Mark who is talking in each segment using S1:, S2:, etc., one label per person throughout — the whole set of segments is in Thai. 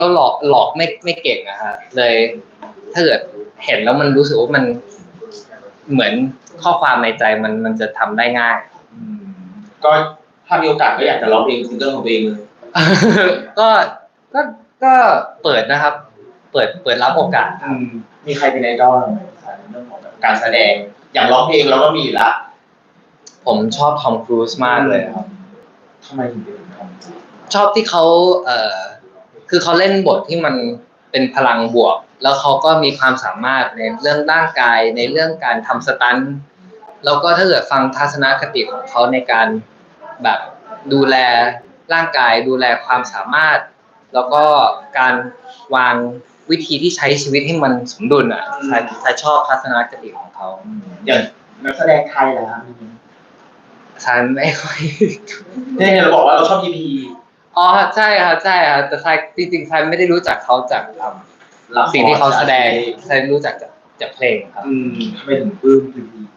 S1: ก็หลอกไม่เก่งอะฮะเลยถ้าเกิดเห็นแล้วมันรู้สึกว่ามันเหมือนข้อความในใจมันจะทำได้ง่าย
S2: ก็ถ้ามีโอกาสก็อยากจะร้องเพลงซิงเกิลของตัวเองเลย
S1: ก็ก็เปิดนะครับ เปิดรับโอกาส
S2: มีใครเป็นไอดอลในเรื่องของการแสดงอย่างร้องเพลงเราก็มีละ
S1: ผมชอบทอมครูซมากเลยครับ
S2: ทำไมถึงเป็นทอม
S1: ชอบที่เขาคือเขาเล่นบทที่มันเป็นพลังบวกแล้วเขาก็มีความสามารถในเรื่องร่างกายในเรื่องการทำสตันท์แล้วก็ถ้าเกิดฟังทัศนคติของเขาในการแบบดูแลร่างกายดูแลความสามารถแล้วก็การวางวิธีที่ใช้ชีวิตให้มันสมดุลอ่ะใครชอบทัศนคติของเขา
S2: อย่างนักแสดงไทยเหรอครับ
S1: ฉันไม่ค่อย
S2: เนี่ยเราบอกว่าเราชอบพีพี
S1: อ๋อใช่ครับใช่ครับแต่จริงๆฉันไม่ได้รู้จักเขาจากสิ่งที่เขาแสดงฉันรู้จักจากเพลงครับ
S2: ทำไมถึงปลื้มพีพี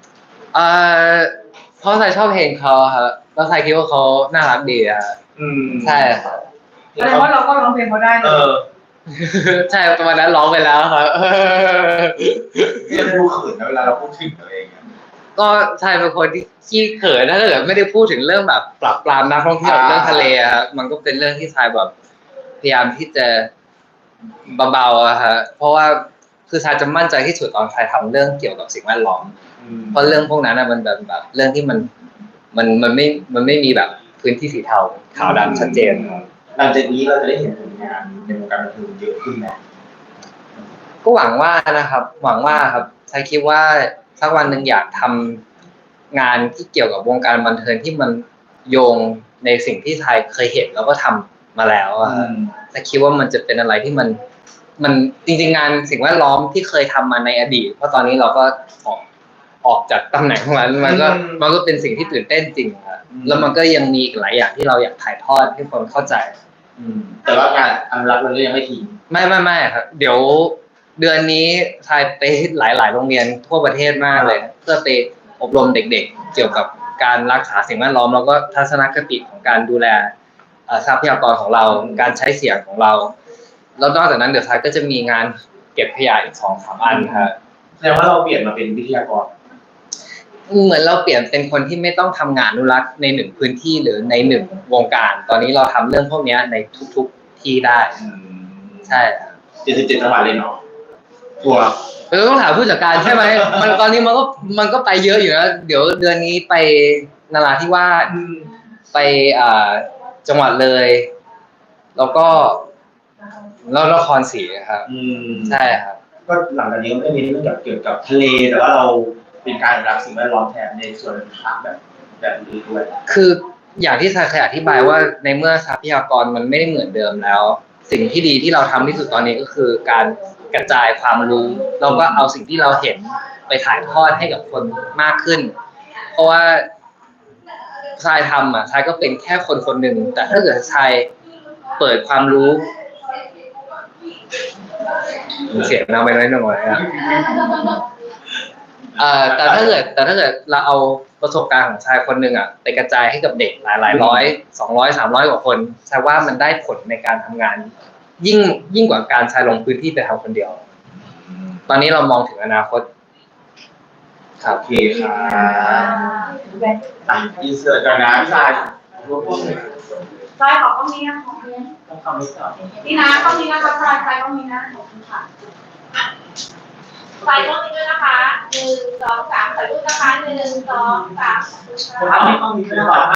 S1: เพราะฉันชอบเพลงเขาครับแล้วฉันคิดว่าเขาน่ารักดีอ่ะใช่ครับ
S3: แสดงว่าเราก็ร้องเพลงเขาได้
S1: ใช่ประมาณนั้นร้องไปแล้วครับ
S2: เนี่ยดูเขินเวลาเราพูดถึงตัวเอง
S1: ก็ใช่เป็นคนที่ขี้เขินถ้าเกิดไม่ได้พูดถึงเรื่องแบบปรับปรามนักท่องเที่ยวเรื่องทะเลครับมันก็เป็นเรื่องที่ชายแบบพยายามที่จะเบาๆอะฮะเพราะว่าคือชายจะมั่นใจที่สุดตอนชายทำเรื่องเกี่ยวกับสิ่งแวดล้อมเพราะเรื่องพวกนั้นนะมันแบบเรื่องที่มันไม่มีแบบพื้นที่สีเทาขาวดำชัดเจน
S2: หลังจากนี้เราจะได้เห็นผลงานในวงการบันเทิงเยอะขึ้นไหม
S1: ก็หวังว่านะครับหวังว่าครับชายคิดว่าสักวันหนึ่งอยากทำงานที่เกี่ยวกับวงการบันเทิงที่มันโยงในสิ่งที่ไทยเคยเห็นแล้วก็ทำมาแล้วแต่คิดว่ามันจะเป็นอะไรที่มันจริงๆงานสิ่งแวดล้อมที่เคยทำมาในอดีตเพราะตอนนี้เราก็ออกจากตำแหน่งของมันก็เป็นสิ่งที่ตื่นเต้นจริงครับแล้วมันก็ยังมีหลายอย่างที่เราอยากถ่ายทอดให้คนเข้าใจ
S2: แต่ว่าการอนุรักษ์มันก็ยังไม่ทิ้ง
S1: ไม่ครับเดี๋ยวเดือนนี้ชายไปหลายโรงเรียนทั่วประเทศมากเลยเพื่อไปอบรมเด็กๆเกี่ยวกับการรักษาสิ่งแวดล้อมแล้วก็ทัศนคติของการดูแลทรัพยากรของเราการใช้เสียงของเราแล้วนอกจากนั้นเดี๋ยวชายก็จะมีงานเก็บขยะอีก 2-3 อันครับ
S2: แสดงว่าเราเปลี่ยนมาเป็นวิทยากร
S1: เหมือนเราเปลี่ยนเป็นคนที่ไม่ต้องทำงานอนุรักษ์ในหนึ่งพื้นที่หรือในหนึ่งวงการตอนนี้เราทำเรื่องพวกนี้ในทุกๆที่ได้ใช่
S2: 77 จังหวัดเลยเนาะทัวร์
S1: ต้องถามผู้จัดการใช่ไหมมันตอนนี้มันก็ไปเยอะอยู่นะเดี๋ยวเดือนนี้ไปนราธิวาสไปจังหวัดเลยแล้วก็นครศรีครับใช่ครับ
S2: ก็หลังจากนี้ก็ไม่มีเรื่องเกี่ยวกับทะเลแต่ว่าเราเป็นการรักสิ่งแวดล้อมแทนในส่วนต่างแบบนี้ด้วย
S1: คืออย่างที่เคยอธิบายว่าในเมื่อทรัพยากรมันไม่ได้เหมือนเดิมแล้วสิ่งที่ดีที่เราทำที่สุดตอนนี้ก็คือการกระจายความรู้เราก็เอาสิ่งที่เราเห็นไปถ่ายทอดให้กับคนมากขึ้นเพราะว่าชายทำชายก็เป็นแค่คนหนึ่งแต่ถ้าเกิดชายเปิดความรู้เสียงเราไปน้อยครับแต่ถ้าเกิดเราเอาประสบการณ์ของชายคนหนึ่งไปกระจายให้กับเด็กหลายร้อย200 300 กว่าคนชายว่ามันได้ผลในการทำงานยิ่งกว่าการชายลงพื้นที่ไปทำคนเดียวตอนนี้เรามองถึงอนาคต
S2: ครับโอเคครับอินเสิร์ตกันนะพี่ชาย
S3: ใช่ขอบคุณนะนี่นะต้องมีนะคะใช่ต้องมีนะขอบคุณค่ะใส่ต้องมีด้วยนะคะ1 2 3ใส่รูปนะคะ1 2 3